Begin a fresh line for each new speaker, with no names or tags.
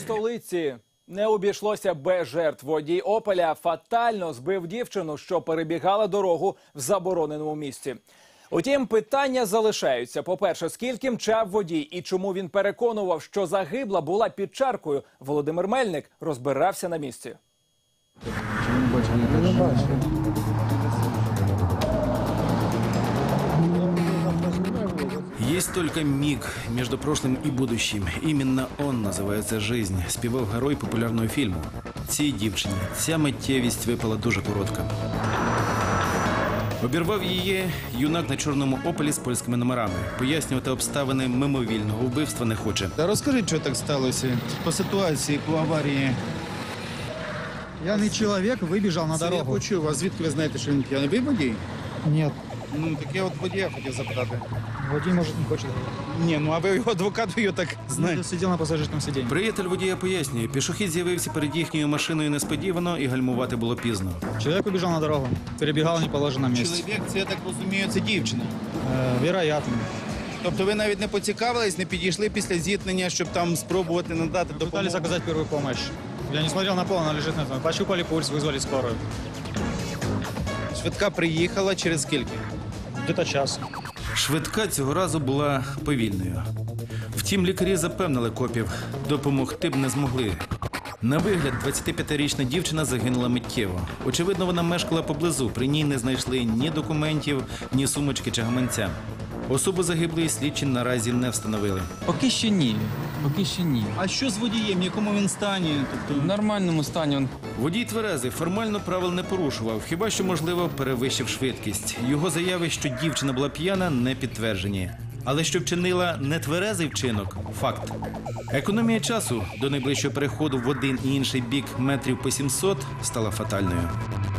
столиці не обійшлося без жертв. Водій «Опеля» фатально збив дівчину, що перебігала дорогу в забороненому місці. Утім, питання залишаються. По-перше, скільки мчав водій і чому він переконував, що загибла була під чаркою? Володимир Мельник розбирався на місці.
Есть только миг между прошлым и будущим. Именно он називається «Жизнь», співав герой популярного фільму. Цій дівчині ця миттєвість випала дуже коротко. Обірвав її юнак на чорному «Опелі» з польськими номерами. Пояснювати обставини мимовільного вбивства не хоче.
Та розкажіть, що так сталося по ситуації, по аварії.
Пьяный человек выбежал на
Це я
дорогу.
почув, а звідки ви знаєте, що він п'яний? Ви водій?
Нет,
Ну, так я от водія хотів запитати.
водитель, может, не хочет.
Ні, ну а ви його адвокат, ви його так знаєте.
Сидел на пассажирском сиденье.
Приятель водія пояснює, пішохід з'явився перед їхньою машиною несподівано і гальмувати було пізно.
Человек убежал на дорогу, перебегал в неположенном месте.
Чоловік, це, я так розумію, це дівчина.
Вероятно.
Тобто ви навіть не поцікавились, не підійшли після зіткнення, щоб там спробувати надати
Пытались
допомогу?
оказать первую помощь. Я не смотрел на пол, она лежит на этом. Пощупали пульс, вызвали скорую.
Швидка приїхала через скільки?
Где-то час.
Швидка цього разу була повільною. Втім, лікарі запевнили копів, допомогти б не змогли. На вигляд, 25-річна дівчина загинула миттєво. Очевидно, вона мешкала поблизу, при ній не знайшли ні документів, ні сумочки чи гаманця. Особу загиблої слідчі наразі не встановили.
Поки що ні. Поки що ні.
А що з водієм, в якому він стані? Тобто...
В нормальному стані він.
Водій тверезий, формально правил не порушував, хіба що, можливо, перевищив швидкість. Його заяви, що дівчина була п'яна, не підтверджені. Але що вчинила нетверезий вчинок – факт. Економія часу до найближчого переходу в один і інший бік метрів по 700 стала фатальною.